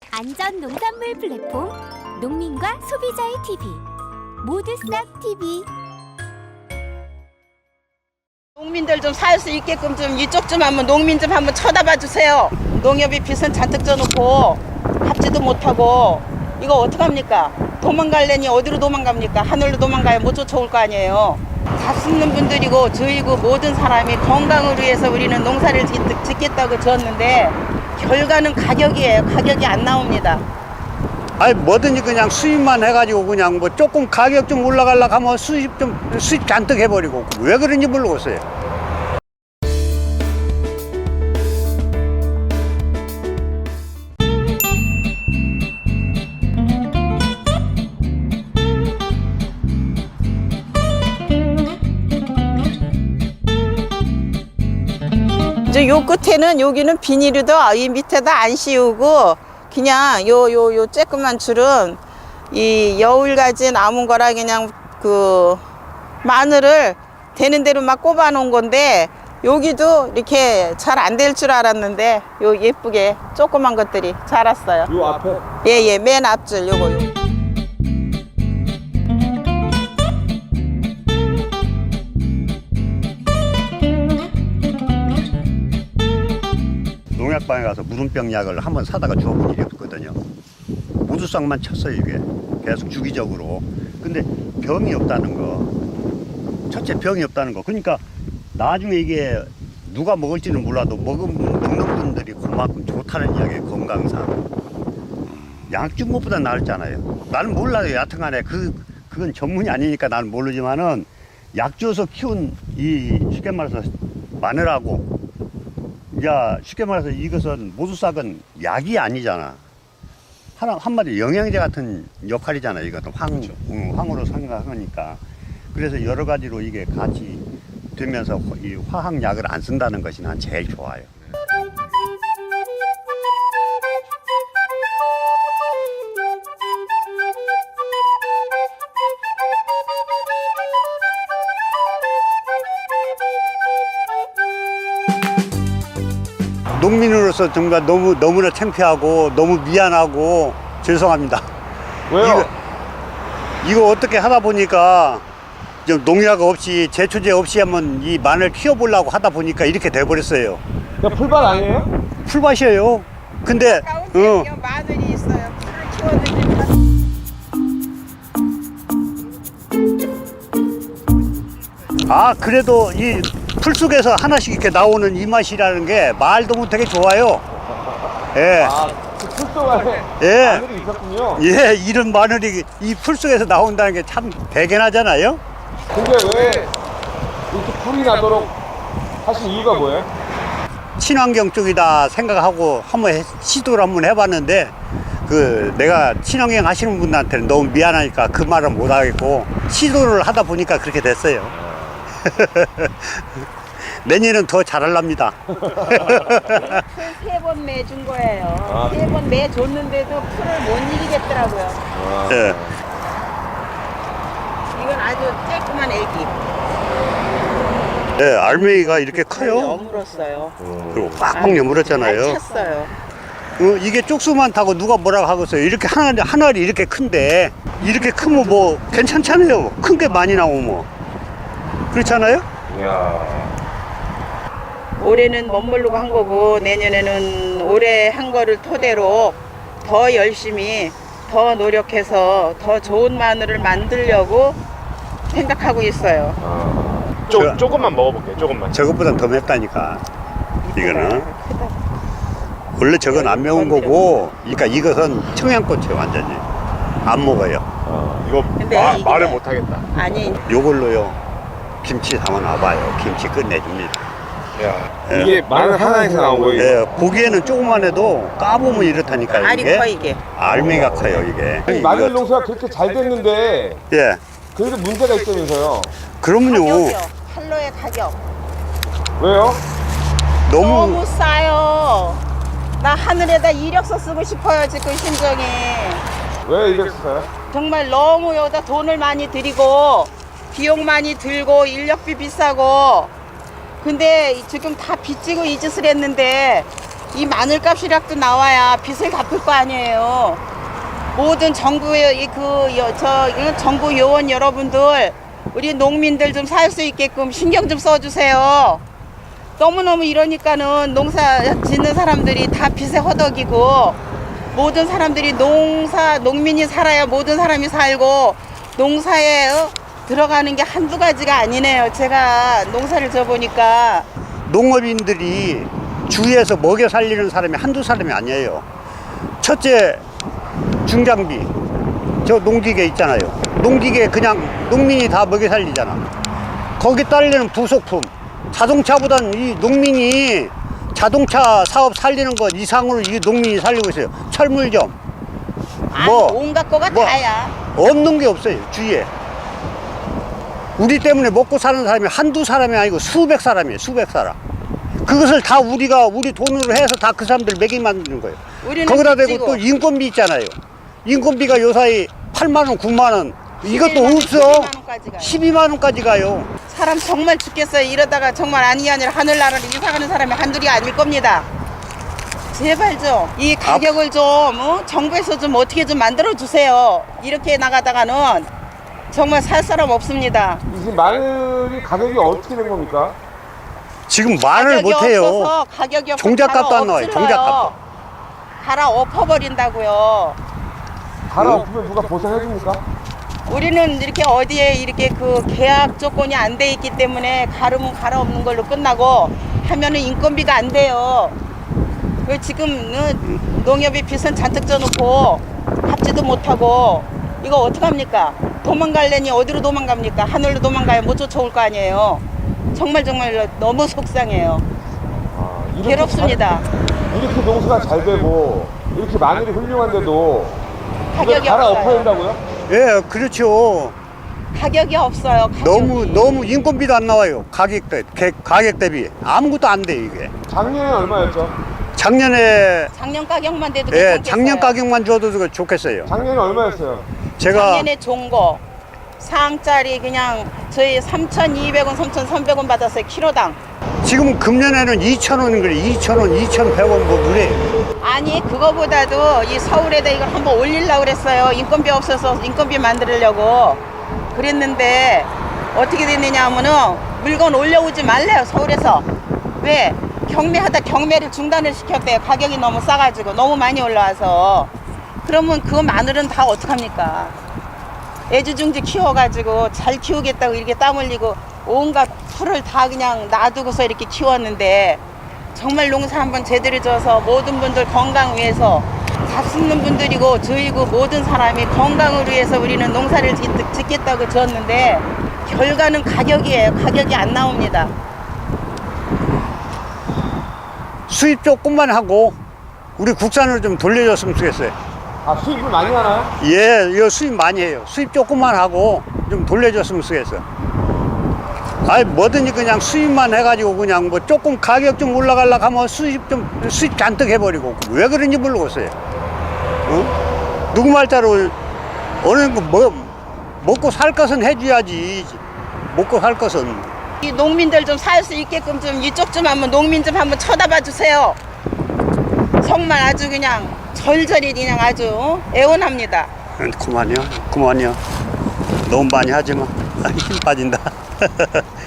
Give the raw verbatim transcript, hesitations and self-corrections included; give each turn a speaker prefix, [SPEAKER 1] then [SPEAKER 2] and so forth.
[SPEAKER 1] 안전 농산물 플랫폼 농민과 소비자의 티비 모두 싹 티비.
[SPEAKER 2] 농민들 좀 살 수 있게끔 좀 이쪽 좀 한번 농민 좀 한번 쳐다봐 주세요. 농협이 빚은 잔뜩 져놓고 갚지도 못하고 이거 어떡합니까? 도망갈래니 어디로 도망갑니까? 하늘로 도망가야 못 쫓아올 거 아니에요. 잡수는 분들이고 저희고 모든 사람이 건강을 위해서 우리는 농사를 짓- 짓겠다고 지었는데 결과는 가격이에요. 가격이 안 나옵니다.
[SPEAKER 3] 아니 뭐든지 그냥 수입만 해가지고 그냥 뭐 조금 가격 좀 올라가려고 하면 수입 좀 수입 잔뜩 해버리고 왜 그런지 모르겠어요.
[SPEAKER 2] 이제 요 끝에는 여기는 비닐도 이 밑에다 안 씌우고 그냥 요 요 요 쬐끄만 줄은 이 여울가지 남은 거라 그냥 그 마늘을 되는 대로 막 꼽아 놓은 건데 여기도 이렇게 잘 안 될 줄 알았는데 요 예쁘게 조그만 것들이 자랐어요.
[SPEAKER 4] 요 앞에?
[SPEAKER 2] 예예 맨 앞줄 요거 요.
[SPEAKER 3] 농약방에 가서 무름병 약을 한번 사다가 주워본 일이 없거든요. 모두싹만 쳤어요 이게 계속 주기적으로. 근데 병이 없다는 거, 첫째 병이 없다는 거. 그러니까 나중에 이게 누가 먹을지는 몰라도 먹은 먹는 분들이 그만큼 좋다는 이야기예요. 건강상 약 준 것보다 나았잖아요. 나는 몰라요. 여하튼간에 그 그건 전문이 아니니까 나는 모르지만은 약 줘서 키운 이 쉽게 말해서 마늘하고, 야 쉽게 말해서 이것은 모두싹은 약이 아니잖아. 하나 한마디 영양제 같은 역할이잖아. 이것도 황,
[SPEAKER 4] 그렇죠.
[SPEAKER 3] 응, 황으로 생각하니까. 그래서 여러 가지로 이게 같이 되면서 이 화학약을 안 쓴다는 것이 난 제일 좋아요. 농민으로서 정말 너무 너무나 창피하고 너무 미안하고 죄송합니다.
[SPEAKER 4] 왜요?
[SPEAKER 3] 이거, 이거 어떻게 하다 보니까 좀 농약 없이 제초제 없이 한번 이 마늘 키워보려고 하다 보니까 이렇게 돼버렸어요.
[SPEAKER 4] 그냥 풀밭 아니에요?
[SPEAKER 3] 풀밭이에요. 근데
[SPEAKER 2] 가운데
[SPEAKER 3] 어,
[SPEAKER 2] 마늘이 있어요. 풀을 키워드리면
[SPEAKER 3] 아 그래도 이 풀 속에서 하나씩 이렇게 나오는 이 맛이라는 게 말도 못하게 좋아요. 예,
[SPEAKER 4] 아, 그 풀속 안에
[SPEAKER 3] 예.
[SPEAKER 4] 마늘이 있었군요.
[SPEAKER 3] 예, 이런 마늘이 이 풀 속에서 나온다는 게 참 대견하잖아요.
[SPEAKER 4] 근데 왜 이렇게 풀이 나도록 하신 이유가 뭐예요?
[SPEAKER 3] 친환경 쪽이다 생각하고 한번 해- 시도를 한번 해봤는데 그 내가 친환경 하시는 분들한테는 너무 미안하니까 그 말은 못 하겠고 시도를 하다 보니까 그렇게 됐어요. 내년은 더 잘하랍니다.
[SPEAKER 2] 세 번 매준 거예요.
[SPEAKER 4] 아.
[SPEAKER 2] 세 번 매줬는데도 풀을 못 이기겠더라고요.
[SPEAKER 4] 아,
[SPEAKER 3] 예.
[SPEAKER 2] 이건 아주 쬐끄만 애기.
[SPEAKER 3] 네, 알맹이가 이렇게 커요.
[SPEAKER 2] 여물었어요.
[SPEAKER 3] 그리고 꽉꽉 여물었잖아요.
[SPEAKER 2] 찼어요.
[SPEAKER 3] 어, 이게 쪽수만 타고 누가 뭐라고 하겠어요. 이렇게 하나, 하나리 이렇게 큰데 이렇게 크면 뭐 괜찮잖아요. 큰 게 많이 나오면. 그렇잖아요?
[SPEAKER 4] 이야.
[SPEAKER 2] 올해는 멋모르고 한 거고 내년에는 올해 한 거를 토대로 더 열심히 더 노력해서 더 좋은 마늘을 만들려고 생각하고 있어요.
[SPEAKER 4] 아. 조,
[SPEAKER 3] 저-
[SPEAKER 4] 조금만 먹어볼게요, 조금만.
[SPEAKER 3] 저것보단 더 맵다니까. 이거는.
[SPEAKER 2] 크다.
[SPEAKER 3] 원래 저건 안 매운 거고, 그러니까 이것은 청양고추예요, 완전히. 안 먹어요.
[SPEAKER 4] 아, 이거
[SPEAKER 2] 근데
[SPEAKER 4] 마,
[SPEAKER 2] 이게-
[SPEAKER 4] 말을 못하겠다.
[SPEAKER 2] 아니
[SPEAKER 3] 요걸로요. 김치 담아 놔봐요. 김치 끝내줍니다.
[SPEAKER 4] 야,
[SPEAKER 3] 예.
[SPEAKER 4] 이게 마늘 하나에서 나온 거예요?
[SPEAKER 3] 예, 보기에는 조그만 해도 까보면 이렇다니까요.
[SPEAKER 2] 알이
[SPEAKER 3] 이게.
[SPEAKER 2] 커 이게.
[SPEAKER 3] 알맹이가 커요, 이게.
[SPEAKER 4] 아니, 마늘
[SPEAKER 3] 이거-
[SPEAKER 4] 농사가 그렇게 잘 됐는데
[SPEAKER 3] 예.
[SPEAKER 4] 그래도 문제가 있다면서요?
[SPEAKER 3] 그러면요.
[SPEAKER 2] 가격이요. 팔로의 가격.
[SPEAKER 4] 왜요?
[SPEAKER 3] 너무,
[SPEAKER 2] 너무 싸요. 나 하늘에다 이력서 쓰고 싶어요 지금 심정이.
[SPEAKER 4] 왜 이랬어요?
[SPEAKER 2] 정말 너무 여기다 돈을 많이 들이고 비용 많이 들고 인력비 비싸고 근데 지금 다 빚지고 이 짓을 했는데 이 마늘값이라도 나와야 빚을 갚을 거 아니에요. 모든 정부의 이그저 정부 요원 여러분들, 우리 농민들 좀 살 수 있게끔 신경 좀 써주세요. 너무너무 이러니까는 농사 짓는 사람들이 다 빚에 허덕이고, 모든 사람들이 농사 농민이 살아야 모든 사람이 살고, 농사에 어, 들어가는 게 한두 가지가 아니네요. 제가 농사를 져보니까.
[SPEAKER 3] 농업인들이 주위에서 먹여 살리는 사람이 한두 사람이 아니에요. 첫째, 중장비. 저 농기계 있잖아요. 농기계 그냥 농민이 다 먹여 살리잖아. 거기 딸리는 부속품. 자동차보단 이 농민이 자동차 사업 살리는 것 이상으로 이 농민이 살리고 있어요. 철물점.
[SPEAKER 2] 아니,
[SPEAKER 3] 뭐,
[SPEAKER 2] 온갖 거가
[SPEAKER 3] 뭐,
[SPEAKER 2] 다야.
[SPEAKER 3] 없는 게 없어요, 주위에. 우리 때문에 먹고 사는 사람이 한두 사람이 아니고 수백 사람이에요, 수백 사람. 그것을 다 우리가 우리 돈으로 해서 다 그 사람들 먹이 만드는 거예요.
[SPEAKER 2] 우리는
[SPEAKER 3] 거기다 대고
[SPEAKER 2] 빚지고.
[SPEAKER 3] 또 인건비 있잖아요. 인건비가 요사이 팔만 원, 구만 원. 이것도 없어.
[SPEAKER 2] 십이만 원까지 가요.
[SPEAKER 3] 십이만 원까지 가요.
[SPEAKER 2] 사람 정말 죽겠어요. 이러다가 정말 아니 아니라 하늘나라를 이사가는 사람이 한둘이 아닐 겁니다. 제발 좀 이 가격을 좀 어? 정부에서 좀 어떻게 좀 만들어 주세요. 이렇게 나가다가는 정말 살 사람 없습니다.
[SPEAKER 4] 지금 마늘이 가격이 어떻게 된 겁니까?
[SPEAKER 3] 지금 말을
[SPEAKER 2] 가격이
[SPEAKER 3] 못해요.
[SPEAKER 2] 없어서 가격이 없어서
[SPEAKER 3] 종잣값도
[SPEAKER 2] 갈아
[SPEAKER 3] 안 나와요,
[SPEAKER 2] 엎질러요.
[SPEAKER 3] 종잣값도.
[SPEAKER 2] 갈아 엎어버린다고요.
[SPEAKER 4] 갈아엎으면 누가 보상해 줍니까?
[SPEAKER 2] 우리는 이렇게 어디에 이렇게 그 계약 조건이 안 돼 있기 때문에 가르면 갈아엎는 걸로 끝나고 하면은 인건비가 안 돼요. 그 지금 농협이 빚은 잔뜩 져놓고 갚지도 못하고 이거 어떡합니까? 도망갈래니 어디로 도망갑니까? 하늘로 도망가야 못 쫓아올 거 아니에요. 정말 정말 너무 속상해요.
[SPEAKER 4] 아, 이렇게
[SPEAKER 2] 괴롭습니다.
[SPEAKER 4] 잘- 이렇게 농사가 잘 되고 이렇게 마늘이 훌륭한데도 이걸
[SPEAKER 2] 가격이
[SPEAKER 4] 갈아엎어야
[SPEAKER 2] 없어요.
[SPEAKER 4] 된다고요?
[SPEAKER 3] 예, 그렇죠.
[SPEAKER 2] 가격이 없어요. 가격이.
[SPEAKER 3] 너무 너무 인건비도 안 나와요. 가격 대 개- 가격 대비 아무것도 안 돼 이게.
[SPEAKER 4] 작년에 얼마였죠?
[SPEAKER 3] 작년에
[SPEAKER 2] 작년 가격만 돼도
[SPEAKER 3] 예,
[SPEAKER 2] 괜찮겠어요.
[SPEAKER 3] 작년 가격만 줘도 그거 좋겠어요.
[SPEAKER 4] 작년에 얼마였어요?
[SPEAKER 3] 제가
[SPEAKER 2] 작년에 좋은 거 상짜리 그냥 저희 삼천이백 원, 삼천삼백 원 받았어요. 키로당.
[SPEAKER 3] 지금 금년에는 이천 원인 그래. 이천 원, 이천백 원 뭐 그래.
[SPEAKER 2] 아니 그거보다도 이 서울에다 이걸 한번 올리려고 그랬어요. 인건비 없어서 인건비 만들려고 그랬는데 어떻게 됐느냐 하면은 물건 올려오지 말래요. 서울에서. 왜? 경매하다 경매를 중단을 시켰대요. 가격이 너무 싸가지고 너무 많이 올라와서. 그러면 그 마늘은 다 어떡합니까? 애지중지 키워가지고 잘 키우겠다고 이렇게 땀 흘리고 온갖 풀을 다 그냥 놔두고서 이렇게 키웠는데 정말 농사 한번 제대로 져서 모든 분들 건강 위해서 잡수는 분들이고 저희고 모든 사람이 건강을 위해서 우리는 농사를 짓- 짓겠다고 지었는데 결과는 가격이에요. 가격이 안 나옵니다.
[SPEAKER 3] 수입 조금만 하고 우리 국산으로 좀 돌려줬으면 좋겠어요.
[SPEAKER 4] 아, 수입을 많이 하나요?
[SPEAKER 3] 예, 이거 수입 많이 해요. 수입 조금만 하고 좀 돌려줬으면 좋겠어. 아이 뭐든지 그냥 수입만 해가지고 그냥 뭐 조금 가격 좀 올라가려고 하면 수입 좀 수입 잔뜩 해버리고 왜 그런지 모르겠어요. 어? 누구 말자로 어느 거 뭐 먹고 살 것은 해줘야지. 먹고 살 것은.
[SPEAKER 2] 이 농민들 좀 살 수 있게끔 좀 이쪽 좀 한번 농민 좀 한번 쳐다봐 주세요. 정말 아주 그냥 절절히 그냥 아주 어? 애원합니다.
[SPEAKER 3] 그만요, 그만요. 너무 많이 하지 마. 힘 빠진다.